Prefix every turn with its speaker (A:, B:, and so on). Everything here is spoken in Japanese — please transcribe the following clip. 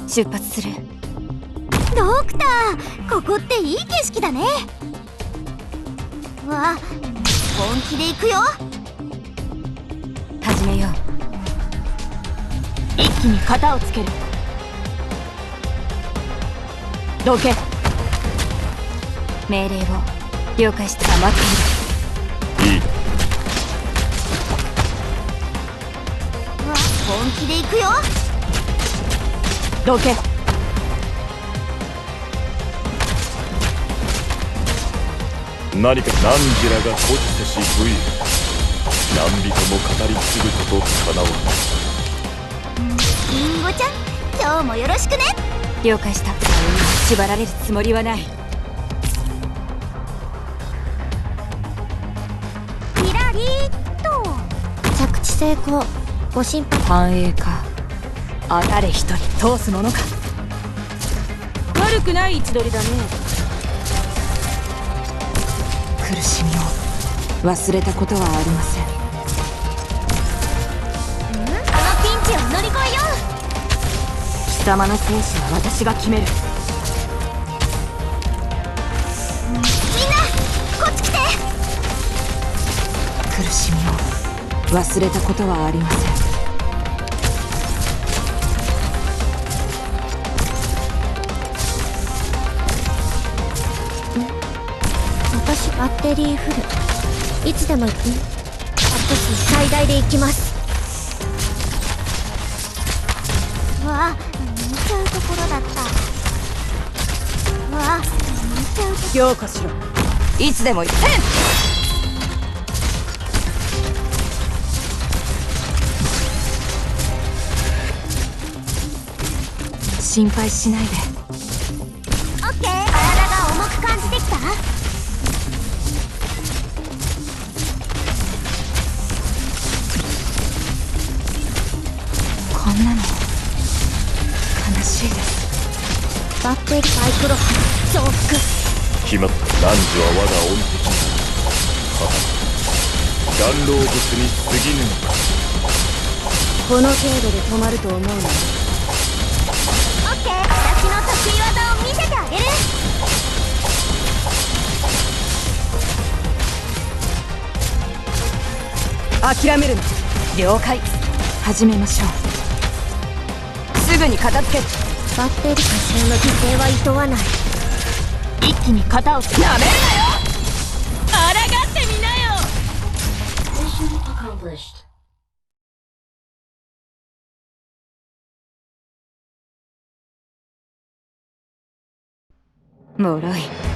A: 出発する。
B: ドクター、ここっていい景色だね。わ、本気で行くよ。
A: 始めよう。
C: 一気に型をつける。どけ。
A: 命令を了解した。待っている。
D: いいだ。
B: わ、本気で行くよ。
C: どけ。
D: 何か何時らが誇示せし武勇、何人も語り継ぐことかなわぬ。
B: リンゴちゃん、今日もよろしくね。
A: 了解した。縛られるつもりはない。
B: キラリーっと。着地成功。ご心配。
A: 繁栄か。
C: 誰一人通すものか。悪くない位置取りだね。
A: 苦しみを忘れたことはありません。
B: このピンチを乗り越えよ
C: 貴様の生死は私が決める。
B: う。みんなこっち来て。
A: 苦しみを忘れたことはありません。
B: 私バッテリーフル。いつでも行くね。私最大で行きます。わあ、見ちゃうところだった。わあ、見ちゃうとこ
C: 強化しろ。
A: いつでも言って心配しないで。
B: オッケー。体が重く感じてきた。
A: こんなの悲しいです。
B: バッテリーサイクロ増幅。
D: 決まった。男女は我が恩敵。顔老物に過ぎぬのか。
B: この程度で止まると思うの。オッケー。私の得意技を見せてあげる。
C: 諦めるな。了解。
A: 始めましょう。すぐに片付ける。
B: バッテリー多少の犠牲はいとわない。
C: 一気に型をつけ。なめるなよ。抗ってみなよ。
A: 脆い。